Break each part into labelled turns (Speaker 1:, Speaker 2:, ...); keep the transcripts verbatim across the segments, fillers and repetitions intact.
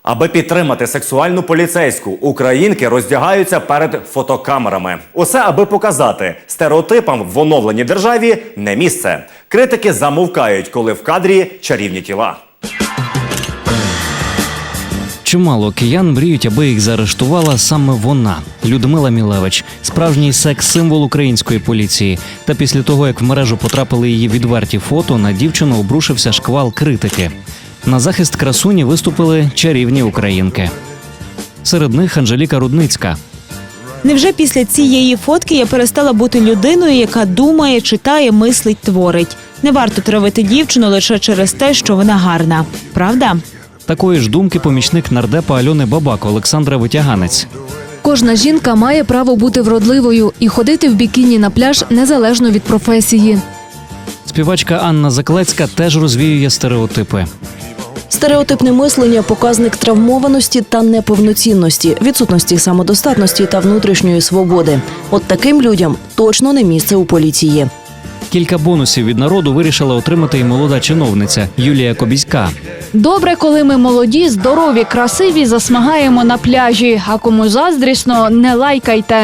Speaker 1: Аби підтримати сексуальну поліцейську, українки роздягаються перед фотокамерами. Усе аби показати, стереотипам в оновленій державі не місце. Критики замовкають, коли в кадрі чарівні тіла.
Speaker 2: Чимало киян мріють, аби їх заарештувала саме вона – Людмила Мілевич, справжній секс-символ української поліції. Та після того, як в мережу потрапили її відверті фото, на дівчину обрушився шквал критики. На захист красуні виступили чарівні українки. Серед них Анжеліка Рудницька.
Speaker 3: Невже після цієї фотки я перестала бути людиною, яка думає, читає, мислить, творить? Не варто травити дівчину лише через те, що вона гарна. Правда?
Speaker 2: Такої ж думки помічник нардепа Альони Бабак Олександра Витяганець.
Speaker 4: Кожна жінка має право бути вродливою і ходити в бікіні на пляж незалежно від професії.
Speaker 2: Співачка Анна Заклецька теж розвіює стереотипи.
Speaker 5: Стереотипне мислення – показник травмованості та неповноцінності, відсутності самодостатності та внутрішньої свободи. От таким людям точно не місце у поліції.
Speaker 2: Кілька бонусів від народу вирішила отримати і молода чиновниця Юлія Кобіська.
Speaker 6: Добре, коли ми молоді, здорові, красиві, засмагаємо на пляжі. А кому заздрісно, не лайкайте.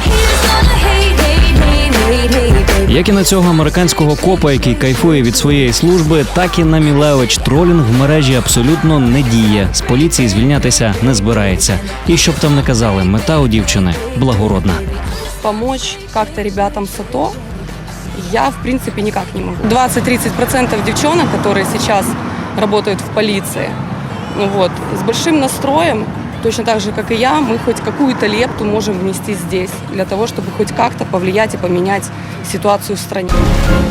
Speaker 2: Як і на цього американського копа, який кайфує від своєї служби, так і на Мілевич тролінг в мережі абсолютно не діє. З поліції звільнятися не збирається. І щоб там не казали, мета у дівчини благородна.
Speaker 7: Помочь как-то ребятам с АТО я, в принципе, никак не могу. двадцать-тридцать процентов девчонок, которые сейчас работают в полиции, ну вот, с большим настроем, точно так же, как и я, мы хоть какую-то лепту можем внести здесь, для того, чтобы хоть как-то повлиять и поменять ситуацию в стране.